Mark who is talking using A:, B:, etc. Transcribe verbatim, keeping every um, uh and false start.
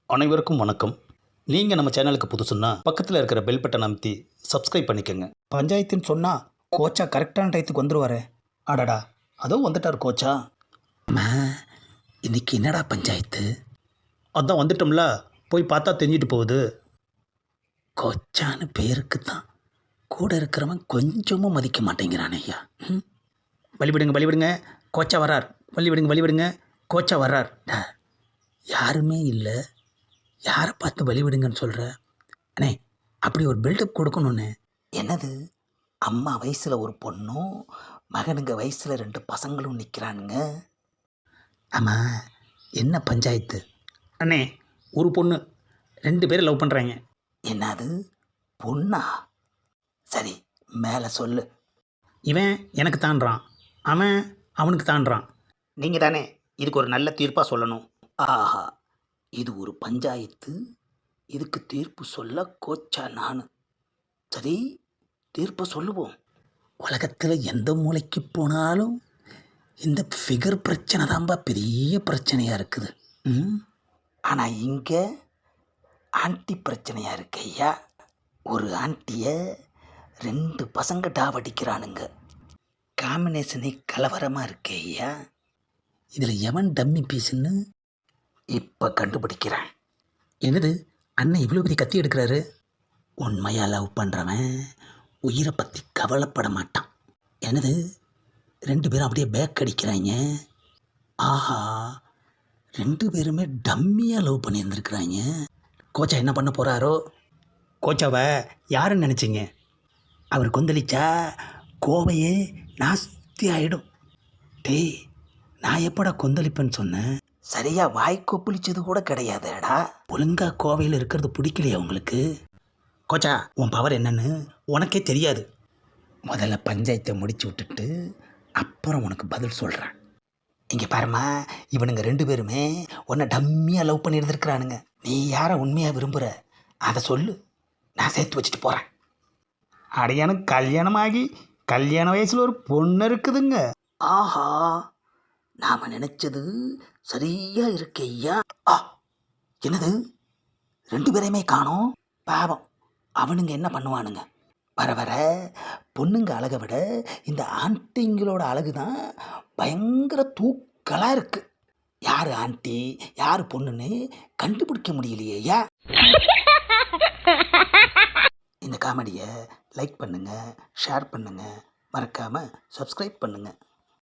A: அனைவருக்கும் வணக்கம். நீங்கள் நம்ம சேனலுக்கு புதுசுன்னா பக்கத்தில் இருக்கிற பெல் பட்டன் அமைத்தி சப்ஸ்கிரைப் பண்ணிக்கோங்க. பஞ்சாயத்துன்னு சொன்னால் கோச்சா கரெக்டான டயத்துக்கு வந்துடுவார். அடடா, அதோ வந்துட்டார் கோச்சா.
B: அம்மா, இன்னைக்கு என்னடா பஞ்சாயத்து?
A: அதான் வந்துட்டோம்ல, போய் பார்த்தா தெரிஞ்சிட்டு போகுது.
B: கோச்சான்னு பேருக்கு தான் கூட இருக்கிறவன் கொஞ்சமும் மதிக்க மாட்டேங்கிறான் ஐயா. ம்
A: வழிவிடுங்க வழிவிடுங்க, கோச்சா வர்றார். வழிவிடுங்க வழிவிடுங்க, கோச்சா வர்றார்.
B: டா, யாருமே இல்லை, யாரை பார்த்து வழிவிடுங்கன்னு சொல்கிற? அண்ணே, அப்படி ஒரு பில்டப் கொடுக்கணுண்ணே.
C: என்னது, அம்மா வயசில் ஒரு பொண்ணும் மகனுங்க வயசில் ரெண்டு பசங்களும் நிற்கிறானுங்க.
B: ஆமாம், என்ன பஞ்சாயத்து?
A: அண்ணே, ஒரு பொண்ணு ரெண்டு பேரும் லவ் பண்ணுறாங்க.
C: என்னது, பொண்ணா? சரி, மேலே சொல்லு.
A: இவன் எனக்கு தாண்டுறான், அவன் அவனுக்கு தாண்டுறான். நீங்கள் தானே இதுக்கு ஒரு நல்ல தீர்ப்பாக சொல்லணும்.
C: ஆஹா, இது ஒரு பஞ்சாயத்து, இதுக்கு தீர்ப்பு சொல்ல கோச்சா நான். சரி, தீர்ப்பை சொல்லுவோம்.
B: உலகத்தில் எந்த மூலைக்கு போனாலும் இந்த ஃபிகர் பிரச்சனை தான்பா பெரிய பிரச்சனையாக இருக்குது. ம்
C: ஆனால் இங்கே ஆண்டி பிரச்சனையாக இருக்கு ஐயா. ஒரு ஆண்டியை ரெண்டு பசங்க டாவடிக்கிறானுங்க. காம்பினேஷனே கலவரமாக இருக்கு ஐயா.
B: இதில் எவன் டம்மி பீஸுன்னு
C: இப்போ கண்டுபிடிக்கிறேன்.
B: என்னது, அண்ணன் இவ்வளோ பெரிய கத்தி எடுக்கிறாரு?
C: உண்மையாக லவ் பண்ணுறவன்
B: உயிரை பற்றி கவலைப்பட மாட்டான். என்னது, ரெண்டு பேரும் அப்படியே பேக் அடிக்கிறாங்க. ஆஹா, ரெண்டு பேருமே டம்மியாக லவ் பண்ணியிருந்துருக்குறாங்க. கோச்சா என்ன பண்ண போகிறாரோ?
A: கோச்சாவை யாருன்னு நினச்சிங்க?
B: அவர் கொந்தளிச்சா கோவையே நாஸ்தி ஆகிடும். டேய், நான் எப்படா கொந்தளிப்பேன்னு சொன்னேன்?
C: சரியாக வாய் கொப்பளிச்சது கூட கிடையாதேடா.
B: ஒழுங்கா கோவையில் இருக்கிறது பிடிக்கலையா உங்களுக்கு?
A: கோச்சா, உன் பவர் என்னன்னு உனக்கே தெரியாது.
B: முதல்ல பஞ்சாயத்தை முடிச்சு விட்டுட்டு அப்புறம் உனக்கு பதில் சொல்கிறேன்.
C: இங்கே பாருமா, இவனுங்க ரெண்டு பேருமே உன்னை டம்மியாக லவ் பண்ணி இருந்திருக்கிறானுங்க. நீ யாரை உண்மையாக விரும்புகிற அதை சொல்லு, நான் சேர்த்து வச்சுட்டு போகிறேன்.
A: அடையானுக்கு கல்யாணம் ஆகி கல்யாண வயசில் ஒரு பொண்ணு இருக்குதுங்க.
C: ஆஹா, நாம் நினச்சது சரியாக இருக்கு ஐயா. ஆ, என்னது, ரெண்டு பேரையுமே காணோம். பாவம், அவனுங்க என்ன பண்ணுவானுங்க? வர வர பொண்ணுங்க அழகை விட இந்த ஆண்டிங்களோட அழகு தான் பயங்கர தூக்கலாக இருக்குது. யார் ஆண்டி யார் பொண்ணுன்னு கண்டுபிடிக்க முடியலையே ஐயா. இந்த காமெடியை லைக் பண்ணுங்கள், ஷேர் பண்ணுங்கள், மறக்காமல் சப்ஸ்கிரைப் பண்ணுங்கள்.